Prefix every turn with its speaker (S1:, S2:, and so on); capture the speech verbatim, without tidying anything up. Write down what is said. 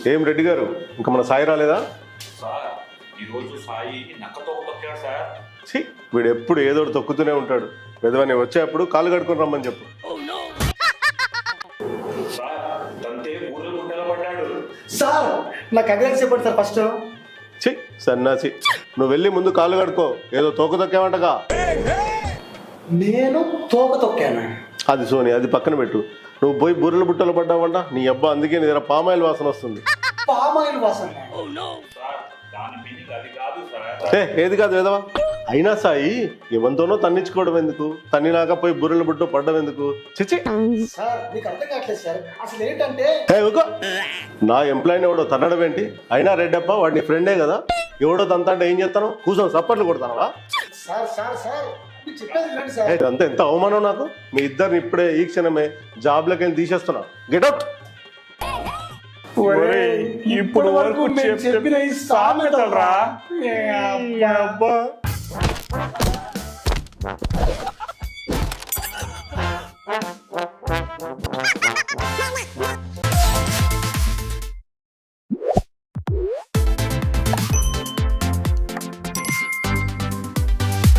S1: ఏం రెడ్డి గారు ఇంకా మన సాయి రాలేదా?
S2: సార్ ఈరోజు సాయి నక్కతో తొక్కాడు సార్.
S1: ఛీ, వీడు ఎప్పుడు ఏదో ఒకటి తొక్కుతూనే ఉంటాడు. పెదవని వచ్చేప్పుడు కాలు కడుకొని రమ్మని చెప్పు.
S2: సార్ తంతే ఊళ్ళో గుండెలో పడ్డాడు.
S3: సార్ నాకు అడ్వాన్స్ చెప్పండి సార్ ఫస్ట్.
S1: ఛీ సన్నాసి, నువ్వు వెళ్ళి ముందు కాలు కడుకో. ఏదో తోక తొక్కావంటగా.
S3: నేను తోక తొక్కాను.
S1: అది సోని, అది పక్కన పెట్టు. నువ్వు పోయి బుర్రల బుట్టలు పడ్డావంట. నీ అబ్బా అందుకే నీ దగ్గర పామాయిల్ వాసన వస్తుంది.
S3: పామాయిల్ వాసన?
S2: సార్ దాని మీనింగ్ అది కాదు సార్.
S1: ఏ ఏది కాదు వేదవా. అయినా సాయి ఎవరితోనో తన్నించుకోవడం ఎందుకు? తన్నినాక పోయి బుర్రల బుట్ట పడ్డం ఎందుకు? చిచి
S3: సార్ మీకు అర్థం కావట్లేదు సార్. అసలు ఏంటంటే
S1: ఏ ఊకో. నా ఎంప్లాయీని ఎవడో తన్నడం ఏంటి? అయినా రెడ్డప్ప వాడి నీ ఫ్రెండే కదా. ఎవడో తంతా అంటే ఏం చేస్తాను? కూర్చొని సప్పట్లు కొడతానవా?
S3: సార్ సార్ సార్ మీకు చెప్పేది వినండి సార్.
S1: అంతే, ఎంత అవమానం నాకు. మీ ఇద్దరిని ఇప్పుడే ఈ క్షణమే జాబ్లోకి వెళ్ళి తీసేస్తున్నా. గెటౌట్.
S4: ఇప్పుడు వరకు నేను చెప్పిన ఈ సామెతలరా.